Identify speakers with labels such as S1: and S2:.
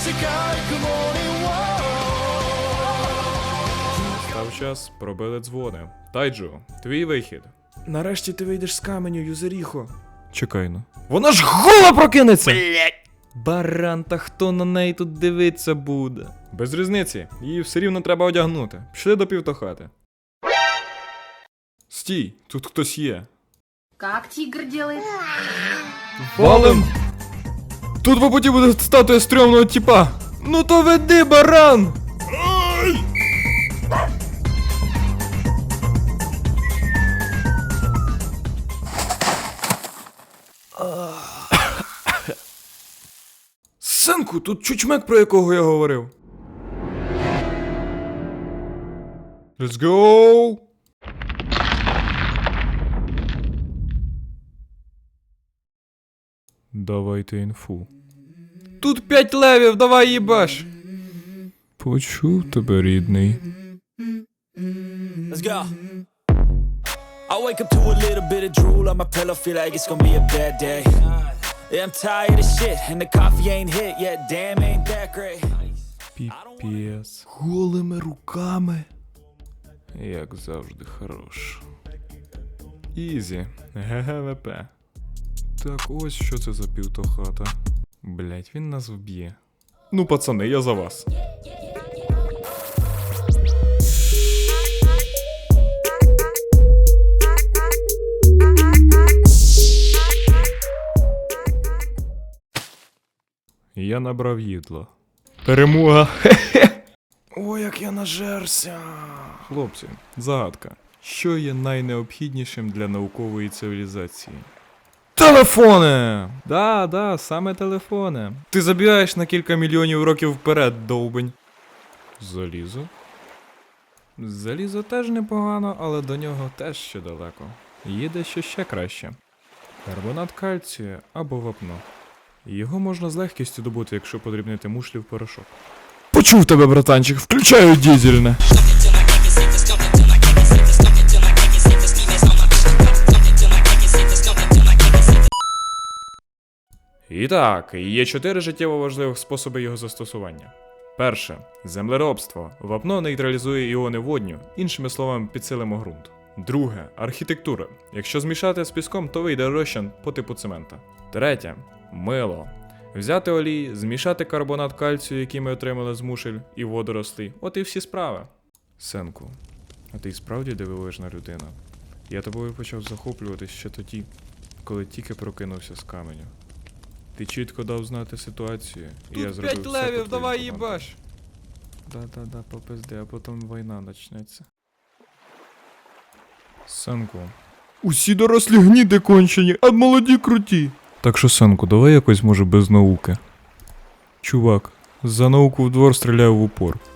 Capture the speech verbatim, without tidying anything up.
S1: Став час, пробили дзвони. Тайджу, твій вихід.
S2: Нарешті ти вийдеш з каменю, Юзеріхо.
S1: Чекай ну. Вона ж гола прокинеться!
S2: Блять! Баран, та хто на неї тут дивиться буде?
S1: Без різниці, її все рівно треба одягнути. Пішли до півтохати. Стій, тут хтось є.
S3: Как тигр делает?
S1: Валим! Тут по путі буде статуя стрьомного тіпа. Ну то веди, баран!
S2: Синку, тут чучмек, про якого я говорив.
S1: Let's go! Давайте інфу.
S2: Тут п'ять левів, давай їбаш.
S1: Почув тебе, рідний.
S4: Let's go. I wake up to a little bit of drool on my pillow, feel like it's gonna be a bad day. Yeah, I'm tired of shit, and the coffee ain't hit yet, damn, ain't that great.
S1: Піпес.
S2: Голими руками.
S1: Як завжди хорош. Ізі. ГГВП. Так, ось що це за півтохата. Блять, він нас вб'є. Ну, пацани, я за вас. Я набрав їдло. Перемога!
S2: О, як я нажерся.
S1: Хлопці, загадка. Що є найнеобхіднішим для наукової цивілізації?
S2: Телефони!
S1: Да, да, саме телефони.
S2: Ти забігаєш на кілька мільйонів років вперед, довбень.
S1: Залізо? Залізо теж непогано, але до нього теж ще далеко. Є дещо ще краще. Карбонат кальцію або вапно. Його можна з легкістю добути, якщо подрібнити мушлі в порошок.
S2: Почув тебе, братанчик, включаю дізельне.
S1: І так, є чотири життєво важливих способи його застосування. Перше. Землеробство. Вапно нейтралізує іони водню, іншими словами, підсилимо ґрунт. Друге. Архітектура. Якщо змішати з піском, то вийде розчин по типу цемента. Третє. Мило. Взяти олій, змішати карбонат кальцію, який ми отримали з мушель, і водорослі. От і всі справи. Сенку, а ти й справді дивовижна людина. Я тобою почав захоплюватись ще тоді, коли тільки прокинувся з каменю. Ти чітко дав знати ситуацію, і я
S2: Тут
S1: зробив
S2: п'ять
S1: все
S2: левів,
S1: по твоїм
S2: давай
S1: командам.
S2: їбаш.
S1: Да-да-да, попизди, а потім війна почнеться. Сенку.
S2: Усі дорослі гніди кончені, а молоді круті.
S1: Так що, Сенку, давай якось, може, без науки. Чувак, за науку в двор стріляю в упор.